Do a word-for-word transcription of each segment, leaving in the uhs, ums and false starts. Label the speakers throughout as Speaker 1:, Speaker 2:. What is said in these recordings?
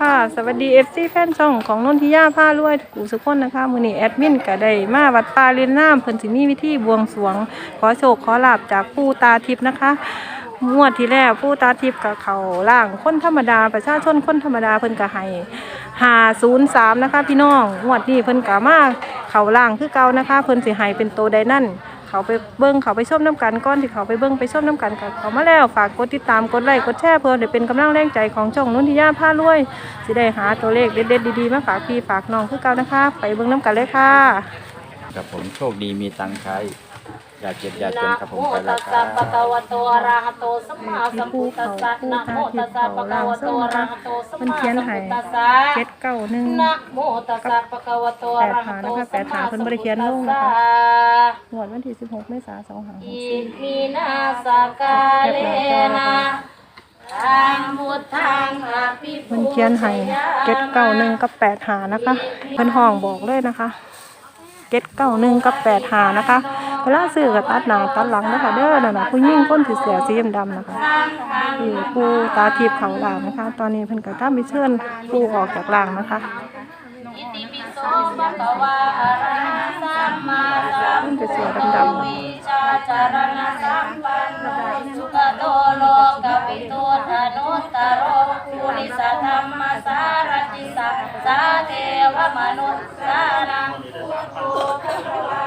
Speaker 1: ค่ะสวัสดี เอฟ ซี แฟนช่องของนนทิยาผ้ารวยกูสุกคนนะคะมื้อนี้แอดมินก็ได้มาวัดป่าเรียนน้ำเพิ่นสิมีวิธีบวงสรวงขอโชคขอลาภจากปู่ตาทิพย์นะคะงวดที่แล้วปู่ตาทิพย์กับเขาล่างคนธรรมดาประชาชนคนธรรมดาเพิ่นก็ให้ห้าศูนย์สามนะคะพี่น้องงวดนี้เพิ่นก็มาเขาล่างคือเก่านะคะเพิ่นสิให้เป็นโตใดนั่นเขาไปเบิ้งเขาไปชมน้ำกันก้อนที่เขาไปเบิ้งไปชมน้ำกันกับเขามาแล้วฝากกดติดตามกดไลค์กดแชร์เพื่อได้เป็นกำลังแรงใจของช่องนนทิยาผ้ารวยสิได้หาตัวเลขเด็ดๆดีๆมาฝากพี่ฝากน้องคือเก่านะคะไปเบิ้งน้ำกันเลยค่ะ
Speaker 2: กับผมโชคดีมีตังค์ใช้อย่าเจ็บอย่าจนครับผมไปแล้วค
Speaker 3: นะ
Speaker 2: รับ
Speaker 3: โมตัสสะปะคะวะโตอะระหะโตสัมมาสัมพุทธัสสะนะโมตัสสะปะคะวะโตอะระหะโตสัมมาสัมพุทธัสสะ
Speaker 1: เจ็ดเก้าหนึ่ง
Speaker 3: นะโมตัสสะปะคะวะโตอะระหะโตสัมมาสัมพุทธัสสะ
Speaker 1: งวดวันที่สิบหกเมษายนสองพันห้าร้อยหก
Speaker 3: อิ
Speaker 1: สิบ
Speaker 3: มินาสกาเลนะธัมมุทังอภิ
Speaker 1: เพิ่
Speaker 3: ปุ
Speaker 1: นเขียนให้เจ็ดเก้าหนึ่งกับแปดหานะคะเพิ่นห้องบอกเลยนะคะเจ็ดเก้าหนึ่งกับแปดหานะคะเวลาซื้อกับตัดหน้าตัดหลังนะคะเด้อนะผู้หญิงคนถือเสื้อสีดำๆนะคะที่ผู้ตาทิพย์เขาล่างนะคะ ตอนนี้เพิ่นก็ตามไปเชิญผู้ออกจากล่างนะคะ
Speaker 3: อิติปิโสภะคะวะอะระหะสัมมาสัมพุทโธวิชาจารณะสัมปันโนสุขโตโลกวิทูธนุตตโรปุริสธรรมสารติสัสสะเทวมนุษย์สานังพุทโธภควา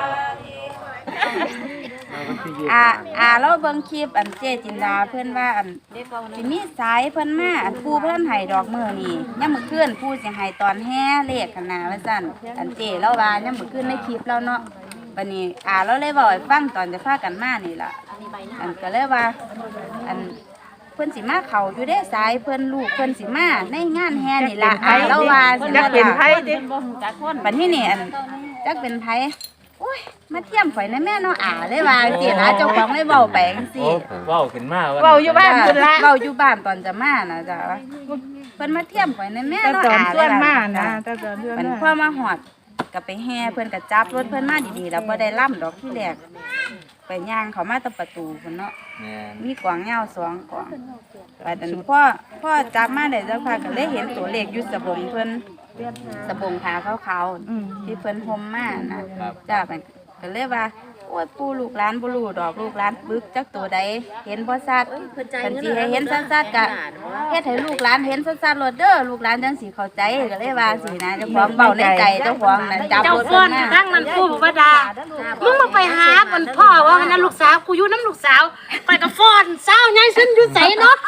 Speaker 4: อ่าอ่าเราเบิ่งคลิปอันเจจินดาเพิ่นว่าอันสิมีสายเพิ่นมาอันปู่เพิ่นให้ดอกมื้อนี่ยามมื้อคืนปู่สิให้ตอนแห่เลขกันน่ะว่าซั่นอันเจเราว่ายามมื้อคืนในคลิปเราเนาะบัดนี้อ่าเราเลยเว้าให้ฟังตอนจะพากันมานี่ล่ะอันก็เลยว่าอันเพิ่นสิมาเข้าอยู่ได้สายเพิ่นลูกเพิ่นสิมาในงานแห่นี่ล่ะอ่าเราว่าสิ
Speaker 1: จักเป็นไผดิ
Speaker 4: บัดนี้นี่อันจักเป็นไผโอ้ยมาเทียมข่อยในแม่เนาะอ่าเลยว่าสิล่ะเจ้าของเลยเว้าไปจังซี่
Speaker 2: เว้าขึ้นมา
Speaker 1: เว้าอยู่บ้านเพิ่นละ
Speaker 4: เว้าอยู่บ้านตอนจะมาน่ะจ้ะเพิ่นมาเทียมข่อยในแม่
Speaker 1: แต่
Speaker 4: เนาะ
Speaker 1: ตอน
Speaker 4: อ่า
Speaker 1: เพื่อนมา
Speaker 4: เลย
Speaker 1: นะ
Speaker 4: ว่า
Speaker 1: แต่ตอนเพื่อน
Speaker 4: มัน
Speaker 1: มา
Speaker 4: พอมาฮอดก็ไปแห่เพิ่นก็จับรถเพิ่นมาดีๆแล้วบ่ได้ล่ำดอกที่แรกไปย่างเขามาตะประตูพุ่นเนาะ
Speaker 2: แม่น
Speaker 4: มีกวางยาวสองกวางบัดนั้นพ่อพ่อจับมาได้สักพักก็เลยเห็นตัวเลขอยู่สบงเพิ่นสบงขาขาวๆที่เพิ่นห่มมานะจ้าเพิ่นก็เลยว่าโอ้ยปู่ลูกหลานบ่รู้ดอกลูกหลานปึกจักตัวใดเห็นบ่ชัดเพิ่นสิให้เห็นชัดๆก็เฮ็ดให้ลูกหลานเห็นชัดๆโลดเด้อลูกหลานจังสิเข้าใจก็เลยว่าสินะเจ้าของเว้าในใจเจ้าของน่ะจับ
Speaker 5: เจ้าร
Speaker 4: ถ
Speaker 5: ฟ้
Speaker 4: เพิ่
Speaker 5: อน
Speaker 4: นมา
Speaker 5: ทั้งนั้นกูบอกว่าดามึงมาไปหาคนพ่อว่านั่นลูกสาวกูอยู่น้ำลูกสาวไปกับฟ้อนสาวใหญ่ซึ่งอยู่ใสเนาะ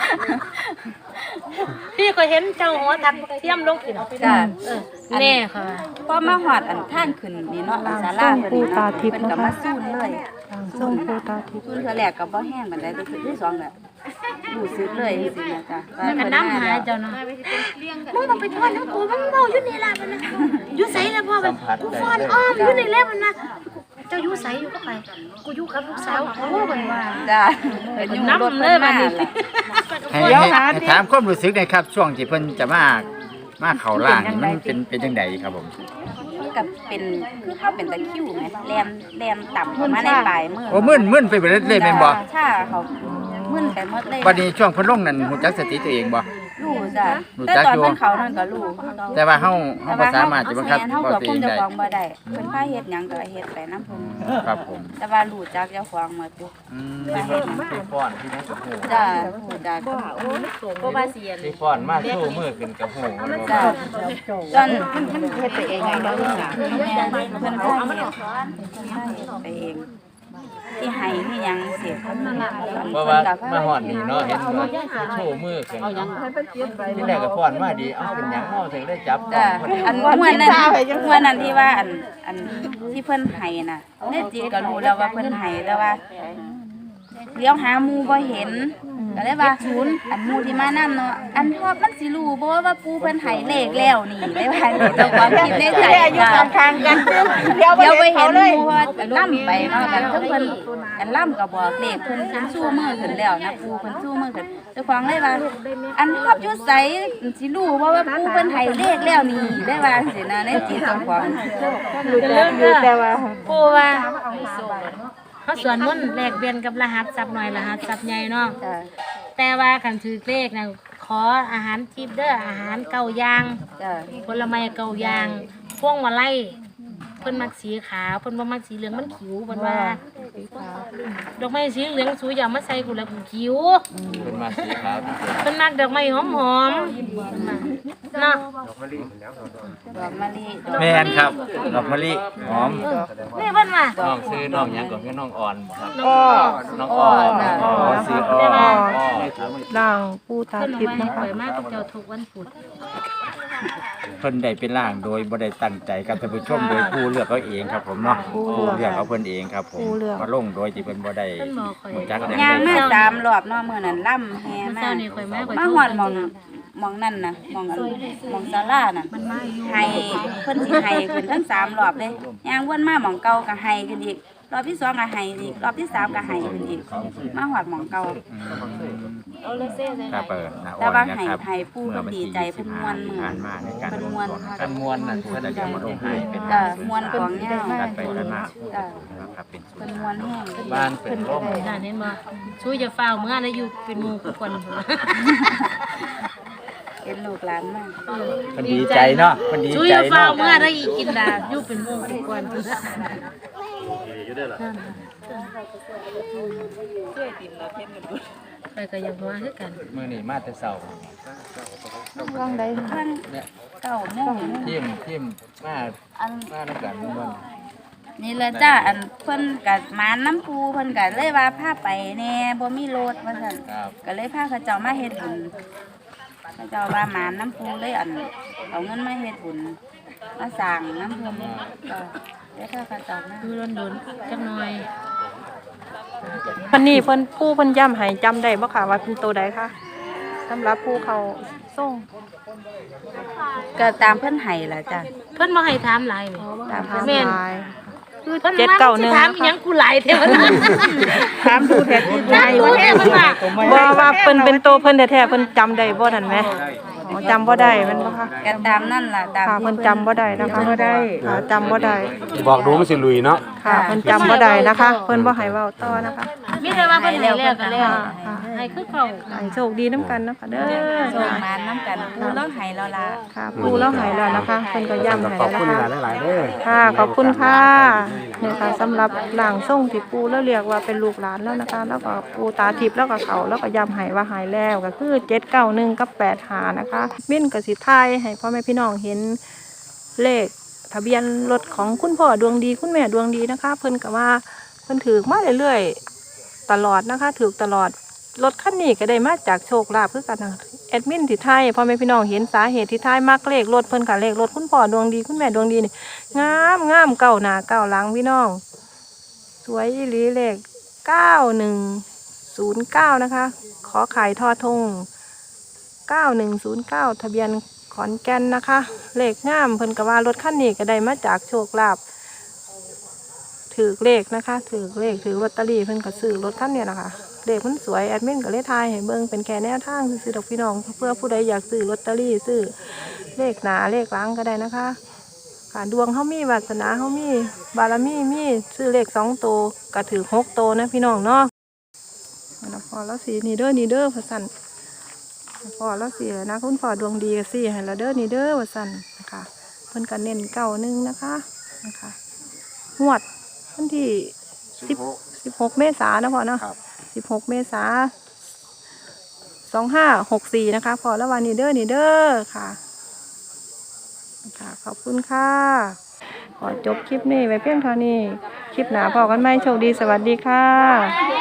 Speaker 5: พี่ก็เห็นเจ้าหัวทักเทียมลงกิน
Speaker 4: จ้า
Speaker 5: แน่ค่ะ
Speaker 4: พอมาฮอดอันทางขึ้นนี่เนาะศาลาเพิ่นนี่เนาะเพิ่นก็มาสู้เลย
Speaker 1: ส่งผู้ตาทิพย์
Speaker 4: ซุนเธอแรกก็บ่แห้งปานใดแต่คือที่สองก็รู้สึกเลยจังซี่นะจ้ะว่า
Speaker 5: มันก็
Speaker 4: เพิ่น
Speaker 5: น้ำ
Speaker 4: มา
Speaker 5: หา
Speaker 4: แล้ว
Speaker 5: เจ้าเนาะมึงต้องไปทอดน้ำกูมึงเบาอยู่นี่ล่ะมันนะอยู่ใสแล้วพ่อมันกูฟ้อนอ้อมอยู่นี่แล้วมันนะเจ้าอยู่ใสอยู่ก็ไปกูอยู่กับลูกสาวเขาเป็นว่า
Speaker 4: จ้ะเพิ่นอยู่รถ
Speaker 5: น้ำเล
Speaker 4: เพิ่
Speaker 5: ย
Speaker 4: น
Speaker 5: บั
Speaker 4: มา
Speaker 5: ดนี้
Speaker 4: ล่ะ
Speaker 2: ให้ให้ให้ถามความรู้สึกหน่อยครับ ช่วงที่เพิ่นจะมามาเข้าร่างนี่มันเป็นเป็นจังไดครับผม
Speaker 4: มันก็เป็นคือเขาเป็นตะคริวแหมแลนแลนต่ำเข้ามาในปลายมือ
Speaker 2: โอ้มึนมึนไปเบิดเลยแม่นบ่
Speaker 4: ใช่เขามึนไปหมดเลย
Speaker 2: บัดนี้ช่วงเพิ่นลงนั่นฮู้จักสติตัวเองบ่
Speaker 4: รู้จ้ะ
Speaker 2: รู้
Speaker 4: แต่
Speaker 2: จัก
Speaker 4: ตอน
Speaker 2: อยู่
Speaker 4: เพิ่นเขานั่นก็รู้
Speaker 2: แต่ว่าเฮาเฮาบ่สามารถจะบังคับ
Speaker 4: เฮา
Speaker 2: บ่
Speaker 4: ก็
Speaker 2: ตัว
Speaker 4: คุ
Speaker 2: เอ
Speaker 4: ม
Speaker 2: ง
Speaker 4: เจ้า
Speaker 2: ได้
Speaker 4: ของบ่ได้เพิ่นพาเฮ็ดหยังก็เฮ็ดไปนำเพิ่น
Speaker 2: ครับผม
Speaker 4: แต่ว่ารู้จักเจ้าของหมดอยู่
Speaker 2: อืม
Speaker 4: พาเฮ็ดหยัง
Speaker 6: ที่ฟ้อนที่นั่นกับหู
Speaker 4: จ้ะรู้จัก
Speaker 5: ก็ว่าเสียน
Speaker 6: ที่ฟ้อนมาสู้มือขึ้นกับหูมันบ่
Speaker 4: จ้ะจนมันมันเฮ็ดไปเองไงบ่รู้จักเพิ่นพาเฮ็ดเพิ่นพาเฮ็ดไปเองที่ให้ที่หยังเสีย
Speaker 6: เพราะว่ามาหอดนี่เนาะเห็นว่าโชว์มือขึ้นที่แรกก็ฟ้อนมาดีเอาเป็นหยังเนาะถึงได้จับ
Speaker 4: จ้ะอันม่วนนั้นม่วนนั้นที่ว่าอันอันที่เพิ่นให้น่ะในจิตก็รู้แล้วว่าเพิ่นให้แต่ว่าเลี้ยวหาหมู่บ่เห็นก็เลยว่าศูนย์อันหมู่ที่มานำเนาะอันทอบมันสิรู้บ่ว่าปู่เพิ่นให้เลขแล้วนี่เลยว่าเจ้าความคิดในใจอยู่ข้างๆกันเดี๋ยวไปเห็นหมู่ว่าล่ำไปเนาะกันทั้งเพิ่นอันล่ำก็บอกเลขเพิ่นเพิ่นสู้มือขึ้นแล้วนะปู่เพิ่นสู้มือขึ้นเจ้าของเลยว่าอันทอบอยู่ไสสิรู้บ่ว่าปู่เพิ่นให้เลขแล้วนี่ได้ว่าสินะในจิตเจ้าของ
Speaker 1: รู้จักอยู่แต่ว่า
Speaker 5: ปูว่าเขาสวนมุ่นต์แลกเปลี่ยนกับรหัสทรัพย์หน่อยรหัสทรัพย์ใหญ่เนาะ
Speaker 4: จ้ะ
Speaker 5: แต่ว่าคันถือเลขนะขออาหารทิพย์เด้ออาหารเก่าอย่าง
Speaker 4: จ้ะ
Speaker 5: ผลไม้เก่าอย่างพวงมาลัยเพิ่นมักสีขาวเพิ่นบ่มักสีเหลืองมันขิวเพิ่นว่าดอกไม้สีเหลืองสูอย่ามาใส่กูแล้วกูขิว
Speaker 6: เป็นมาสีขาวที่สุด
Speaker 5: เพิ่นมักดอกไม้หอมๆเนาะ
Speaker 4: ดอกมะลิ
Speaker 2: แม่นครับดอกมะลิหอม
Speaker 5: นี่เพิ่นว่า
Speaker 6: น้องซื้อน้องหยังก่อนคือน้องอ่อนบ่ครับ
Speaker 1: อ้อ
Speaker 6: น้องอ่อน
Speaker 2: อ๋อซื้ออ้อ
Speaker 1: อ้อ
Speaker 6: อ๋อ
Speaker 1: ร่างปูตา
Speaker 5: เพิ่น
Speaker 1: ทิพ
Speaker 5: ว่า
Speaker 1: ย์
Speaker 5: ให้
Speaker 1: นะคะ
Speaker 5: ข่อยมากกับเจ้าทุกวันพุธ
Speaker 2: เพิ่นได้เป็นร่างโดยบ่ได้ตั้งใจครับท่านผู้ชมโดยผู้เลือกเอาเองครับผมเนาะผู้เลือกเอาเพิ่นเองครับผมมาลงโดยที่เพิ่นบ่ได้
Speaker 5: เพิ่นบอกข่อย
Speaker 2: รู้จักแนว
Speaker 4: ย่าง
Speaker 2: ใด
Speaker 4: มาสามรอบเนาะมื้อนั้นล่ำแฮ
Speaker 5: เมื่อ
Speaker 4: มา
Speaker 5: เช้านี้ข่อยมาข่อย
Speaker 4: มา
Speaker 5: โทร
Speaker 4: ฮอดหมองหมองนั่นน่ะหมองอันหมองศาลาน่ะ
Speaker 5: มันมาอยู่
Speaker 4: ให้เพิ่นสิให้ขึ้นทั้งสามรอบเลยย่างวนมาหมองเก่าก็ให้ขึ้นอีกรอบที่สองก็ให้อีกรอบที่สามก็ให้ขึ้นอีกมาฮอดหมองเก่า
Speaker 2: ครับเปิดนะ
Speaker 4: แต่
Speaker 2: อ่อน
Speaker 4: ว่า
Speaker 2: นะ
Speaker 4: ให้
Speaker 2: ครับ
Speaker 4: ให้ผู้เพิ่นดีใจเพิ่นม่วนมื้อ
Speaker 2: ผ่านมาในการ
Speaker 4: เพิ่นม่วน
Speaker 6: กันมวนน่ะ
Speaker 2: เพิ่นจะมาลงให้เป็น
Speaker 4: จ้ะม่วนของยาว
Speaker 2: การไปกันมา
Speaker 4: จ้ะ
Speaker 2: ครับเป็นสุด
Speaker 4: เพิ่นม่วนแห้ง
Speaker 6: บ้านเป็นร่ม
Speaker 5: นั่นเห็นบ่ช่วยจะฟ้าวเมื่อนะอยู่เป็นหมู่กับคน
Speaker 4: เป็นลูกหลานมาก
Speaker 2: เพิ่นดีใจเนาะเพิ่นดี
Speaker 5: ช่วย
Speaker 2: ใจ
Speaker 5: จะฟ้า
Speaker 2: เนาะ
Speaker 5: วเมื่อได้อีกกินดาอยู่เป็นหมู่กับคนไปก็ยังว่าคือกัน
Speaker 6: มื้อนี้มาแต่เช้า
Speaker 1: ร่างใด
Speaker 4: ทั้ง
Speaker 6: เนี่ย
Speaker 4: เก้าโมง
Speaker 6: ทิมทิมมา
Speaker 4: อัน
Speaker 6: มานํกันม่วน
Speaker 4: นี่แหละจ้าอันเพิ่นก็มาน้ำปูเพิ่นก็เลยว่าพาไปแหน่บ่มีรถว่าซั่น
Speaker 6: ครับ
Speaker 4: ก็เลยพาเขาเจ้ามาเฮ็ดบุญเขาเจ้าว่าหมาน้ำปูเลยอันเอาเงินมาเฮ็ดบุญมาสร้างน้ำเพิ่นก็ได้พาเขาเจ้ามา
Speaker 5: ดูโดนๆจักหน่อย
Speaker 1: วันนี้เพิ่นผู้เพิ่นย้ำให้จำได้บ่ค่ะว่าเป็นตัวใดคะสำหรับผู้เขาส่ง
Speaker 4: ก็ตามเพิ่นให้ล่ะจ้ะ
Speaker 5: เพิ่นบ่ให้ถามหลายแหม
Speaker 4: ตาม
Speaker 1: ถาม
Speaker 4: เพิ่น
Speaker 1: หลายคือ
Speaker 5: เพิ่น
Speaker 1: เจ็ด
Speaker 5: มา
Speaker 1: เก้าห
Speaker 5: สิ
Speaker 1: นึ่ง
Speaker 5: ถามอีหยังกูหลายแท้ว่านั้น
Speaker 1: ถามดูแท้ที่
Speaker 5: ถามดูแท้เพิ่นว่า
Speaker 1: บ่ว่าเพิ่นเป็นโตวเพิ่นแท้ๆเพิ่นจำได้บ่นั่นแหมอ๋อจำบ่ได้แมันบ่คะ
Speaker 4: ก็ตามนั่นล่ะตาม
Speaker 1: ค่ะ
Speaker 4: ที่
Speaker 1: เพิ่นจำบ่ได้นะคะบ่ได้ค่ะจำบ่ได้
Speaker 7: บอกดูมันสิลุยเนาะ
Speaker 1: ค่ะเพิ่นจำบ่ได้นะคะ เพิ่นบ่ให้เว้าต่อนะคะ
Speaker 5: มีแต่ว่าเพิ่นให้แล้วก็แล้วให้คือเขา
Speaker 1: ให้โชคดีน้ำกันนะคะเด้อ
Speaker 4: ส่ง
Speaker 1: ค่ะ
Speaker 4: มาน้ำกันปูแล้วให้เราล่ะ
Speaker 1: ค่ะปูแล้วหายแล้วนะคะเพิ่นก็ย้ำให้
Speaker 7: ขอบ
Speaker 1: แล้ว
Speaker 7: คุณ
Speaker 1: นะคะ
Speaker 7: หลายๆเด้อ
Speaker 1: ค่ะขอบคุณค่ะเนี่ยค่ะสำหรับหลางส่งที่ปูแล้วเรียกว่าเป็นลูกหลานแล้วนะคะ แล้วก็ปูตาทิพย์แล้วก็เขาแล้วก็ย้ำให้ว่าหายแล้วก็คือเจ็ดเก้าหนึ่งกับแปดหานะคะมิ้นกับสิทายให้พ่อแม่พี่น้องเห็นเลขทะเบียนรถของคุณพ่อดวงดีคุณแม่ดวงดีนะคะ เพิ่นก็ว่าเพิ่นถือมาเรื่อยๆตลอดนะคะถือตลอดรถคันนี้ก็ได้มาจากโชคลาภคือกันนะแอดมินที่ไทยพ่อแม่พี่น้องเห็นสาเหตุที่ไทยมากเลขรถเพิ่นกับเลขรถคุณพ่อดวงดีคุณแม่ดวงดีนี่งามงามเก้าหน้าเก้าหลังพี่น้อง สวยอีหลีเลขเก้าหนึ่งศูนย์เก้านะคะ ขอขายทอทงเก้าหนึ่งศูนย์เก้าทะเบียนขอนแก่นนะคะ เลขงามเพิ่นก็ว่ารถคันนี้ก็ได้มาจากโชคลาภถือเลขนะคะถือเลขถือลอตเตอรี่เพิ่นก็ซื้อรถคันนี้นะคะเลขมันสวยแอดมินก็เลยทายให้เบิ่งเป็นแค่แนวทางซื้อๆดอกพี่น้องเพื่อผู้ใดอยากซื้อลอตเตอรี่ซื้อเลขหนาเลขหลังก็ได้นะคะค่ะดวงเขามีวาสนาเขามีบารมีมีซื้อเลขสองโตวก็ถือหกโตวนะพี่น้องเนาะแล้วพอแล้วสีนี่เด้อนี่เด้อพะสันพอแล้วสีแล้วนะคุณพ่อดวงดีก็สีให้แล้วเด้อนี่เด้อพะสันนะคะเพิ่นก็เน้นเก้าหนึ่งนะคะนะคะงวดวันที่สิบสิบหกเมษายนนะพ่อเนาะสิบหกเมษาสองห้าหกสี่นะคะพอแล้ววันนี้เด้อนี่เด้อค่ะค่ะขอบคุณค่ะขอจบคลิปนี้ไว้เพียงเท่านี้คลิปหน้าพอกันไหมโชคดีสวัสดีค่ะ